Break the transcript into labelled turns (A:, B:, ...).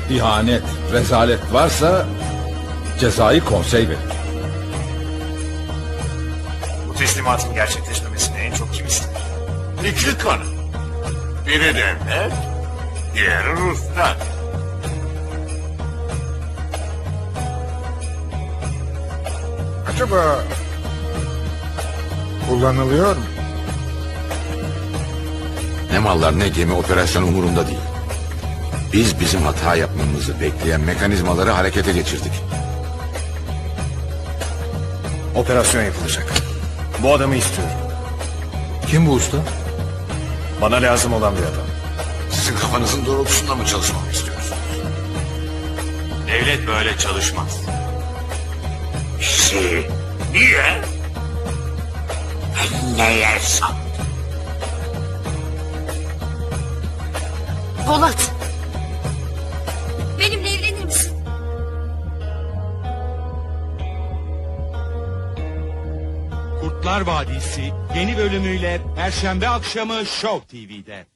A: ihanet, rezalet varsa cezayı konsey verir.
B: Bu teslimatın gerçekleşmemesini en çok kim ister?
C: İki kanı. Biri devlet, diğeri Ruslar.
D: Acaba kullanılıyor mu?
E: Ne mallar ne gemi operasyon umurumda değil. Biz bizim hata yapmamızı bekleyen mekanizmaları harekete geçirdik.
B: Operasyon yapılacak. Bu adamı istiyorum.
A: Kim bu usta?
B: Bana lazım olan bir adam.
E: Sizin kafanızın doğrultusunda mı çalışmamı istiyorsunuz?
C: Devlet böyle çalışmaz. Niye? Ben ne yersem.
F: Polat. Benimle evlenir misin?
G: Kurtlar Vadisi yeni bölümüyle Perşembe akşamı Show TV'de.